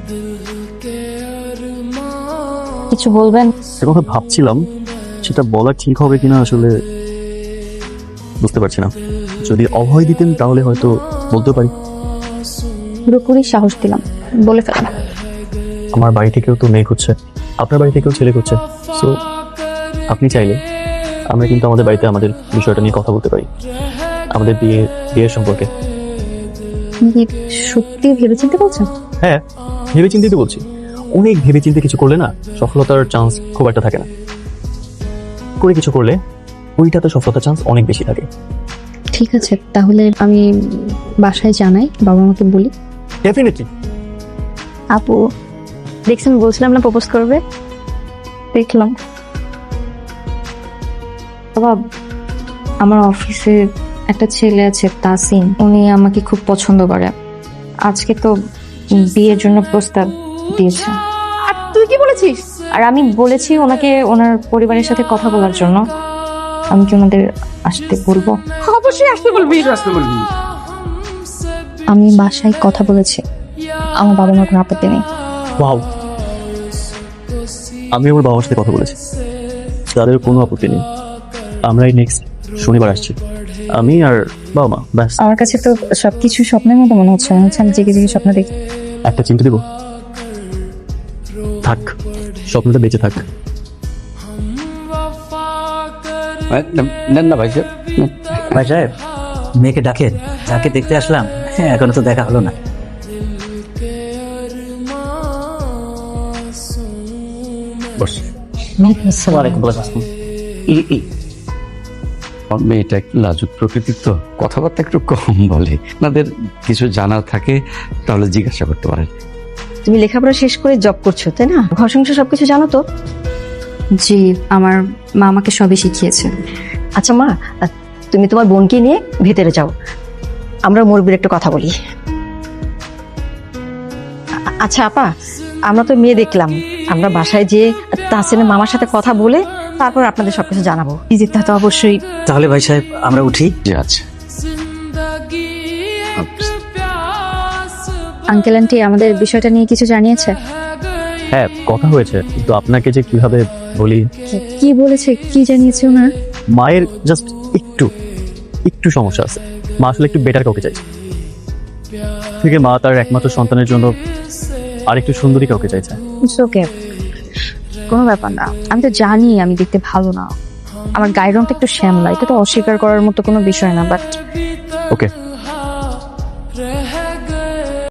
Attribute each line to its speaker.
Speaker 1: কিছু বলবেন?
Speaker 2: সে কথা ভাবছিলাম, সেটা বলা ঠিক হবে কিনা আসলে বুঝতে পারছি না। যদি অভয় দিতেন তাহলে হয়তো বলতে পারি।
Speaker 1: পুরোপুরি সাহস দিলাম, বলে ফেলেন।
Speaker 2: আমার বাড়ি থেকেও তো মেয়ে খুঁজছে, আপনার বাড়ি থেকেও ছেলে খুঁজছে। সো আপনি চাইলে আমরা কিন্তু আমাদের বাড়িতে আমাদের বিষয়টা নিয়ে কথা বলতে পারি, আমাদের বিয়ের সম্পর্কে।
Speaker 1: আপনি কি সত্যি ভেবেচিন্তে বলছেন?
Speaker 2: হ্যাঁ, ভেবে চিন্তিত বলছি। অনেক ভেবে চিন্তে কিছু করলে না সফলতার চান্স খুব একটা থাকে না, করে কিছু করলে ওইটাতে সফলতার চান্স অনেক বেশি থাকে।
Speaker 1: ঠিক আছে, তাহলে আমি বাসায় জানাই, বাবা মাকে বলি।
Speaker 2: ডেফিনেটলি।
Speaker 1: আপু দেখছেন, বলছিলাম না প্রপোজ করবে, দেখলাম। বাবা, আমার অফিসে একটা ছেলে আছে তাসিন, উনি আমাকে খুব পছন্দ করে। আজকে তো বিয়ের জন্য প্রস্তাব দিয়েছে।
Speaker 3: আর তুই কি বলেছিস?
Speaker 1: আর আমি বলেছি ওনাকে ওনার পরিবারের সাথে কথা বলার জন্য। আমি কি ওনাদের আসতে বলবো?
Speaker 3: অবশ্যই আসতে বলবি।
Speaker 1: আমি বাসায় কথা বলেছি, আমার বাবা মার কোনো আপত্তি নেই।
Speaker 2: ওয়াও, আমি আমার বাবার সাথে কথা বলেছি, তাদের কোনো আপত্তি নেই। আমরাই নেক্সট শনিবার আসছি, আমি আর বাবা মা, ব্যাস।
Speaker 1: আমার কাছে তো সবকিছু স্বপ্নের মতো মনে হচ্ছে, আমি জেগে জেগে স্বপ্ন দেখি।
Speaker 2: একটা চিমটি দেবো? থাক, স্বপ্নটা বেঁচে থাক।
Speaker 4: নেন না ভাই সাহেব।
Speaker 5: ভাই সাহেব, মেয়েকে ডাকেন, যাকে দেখতে আসলাম। হ্যাঁ, এখনো তো দেখা হলো না।
Speaker 4: বস।
Speaker 5: ওয়ালাইকুম আসসালাম।
Speaker 4: আমার মেয়েটা একটু লাজুক প্রকৃতির, তো কথাবার্তা একটু কম বলে। আপনাদের কিছু জানার থাকে তাহলে জিজ্ঞাসা করতে পারেন।
Speaker 3: তুমি লেখাপড়া শেষ করে জব করছো, তাই না? ঘর সংসার সবকিছু জানো তো?
Speaker 1: জি, আমার মা আমাকে সবই শিখিয়েছে।
Speaker 3: আচ্ছা মা, তুমি তোমার বোনকে নিয়ে ভেতরে যাও, আমরা মুরব্বির একটু কথা বলি। আচ্ছা আপা, আমরা তো মেয়ে দেখলাম, আমরা বাসায় যেয়ে তাহসিনের মামার সাথে কথা বলে তারপর আপনাদের সবকিছু জানাবো। যেতে তো অবশ্যই।
Speaker 5: তাহলে ভাই সাহেব আমরা উঠি।
Speaker 4: যে আছে
Speaker 1: আঙ্কেল আন্টি আমাদের বিষয়টা নিয়ে কিছু জানিয়েছে?
Speaker 2: হ্যাঁ, কথা হয়েছে, কিন্তু আপনাকে যে কিভাবে বলি।
Speaker 1: কি বলেছে, কি জানিয়েছে ওনার?
Speaker 2: মায়ের জাস্ট একটু একটু সমস্যা আছে। মা আসলে একটু বেটার কাউকে চাইছে, থেকে মা তার একমাত্র সন্তানের জন্য আরেকটু সুন্দরী কাউকে চাইছে।
Speaker 1: ওকে, কোনো ব্যাপার না। আমি তো জানি আমি দেখতে ভালো না, আমার গায়ের রংটা একটু শ্যামলা, এটা তো অস্বীকার করার মতো কোনো বিষয় না। বাট
Speaker 2: ওকে,